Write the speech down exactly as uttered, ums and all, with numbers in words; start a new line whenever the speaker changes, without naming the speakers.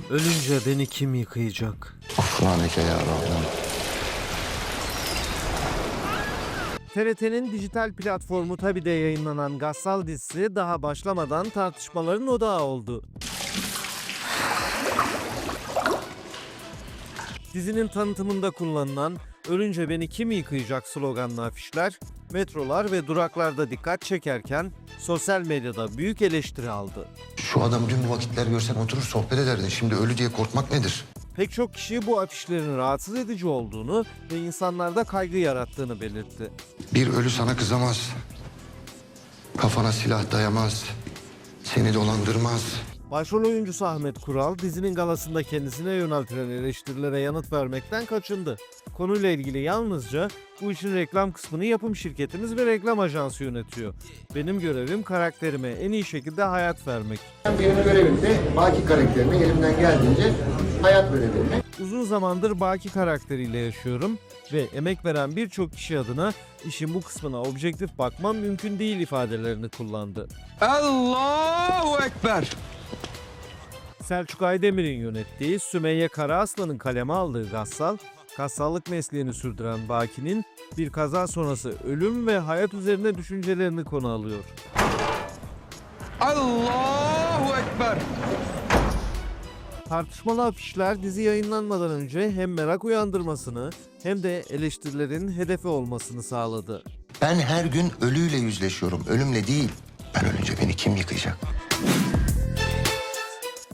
Ölünce beni kim yıkayacak?
Affraneke ya Rahman.
T R T'nin dijital platformu Tabi'de yayınlanan Gassal dizisi daha başlamadan tartışmaların odağı oldu. Dizinin tanıtımında kullanılan "Ölünce beni kim yıkayacak" sloganlı afişler, metrolar ve duraklarda dikkat çekerken sosyal medyada büyük eleştiri aldı.
Şu adamı dün bu vakitler görsen oturur sohbet ederdin. Şimdi ölü diye korkmak nedir?
Pek çok kişi bu afişlerin rahatsız edici olduğunu ve insanlarda kaygı yarattığını belirtti.
Bir ölü sana kızamaz. Kafana silah dayamaz. Seni dolandırmaz.
Başrol oyuncusu Ahmet Kural, dizinin galasında kendisine yöneltilen eleştirilere yanıt vermekten kaçındı. Konuyla ilgili yalnızca "Bu işin reklam kısmını yapım şirketimiz ve reklam ajansı yönetiyor. Benim görevim karakterime en iyi şekilde hayat vermek.
Benim görevim de Baki karakterine elimden geldiğince hayat verebilmek.
Uzun zamandır Baki karakteriyle yaşıyorum ve emek veren birçok kişi adına işin bu kısmına objektif bakmam mümkün değil" ifadelerini kullandı.
Allahu Ekber.
Selçuk Aydemir'in yönettiği, Sümeyye Karaaslan'ın kaleme aldığı Gassal, kassallık mesleğini sürdüren Baki'nin bir kaza sonrası ölüm ve hayat üzerine düşüncelerini konu alıyor.
Allahu Ekber.
Tartışmalı afişler dizi yayınlanmadan önce hem merak uyandırmasını hem de eleştirilerin hedefi olmasını sağladı.
Ben her gün ölüyle yüzleşiyorum. Ölümle değil. Ben ölünce beni kim yıkayacak?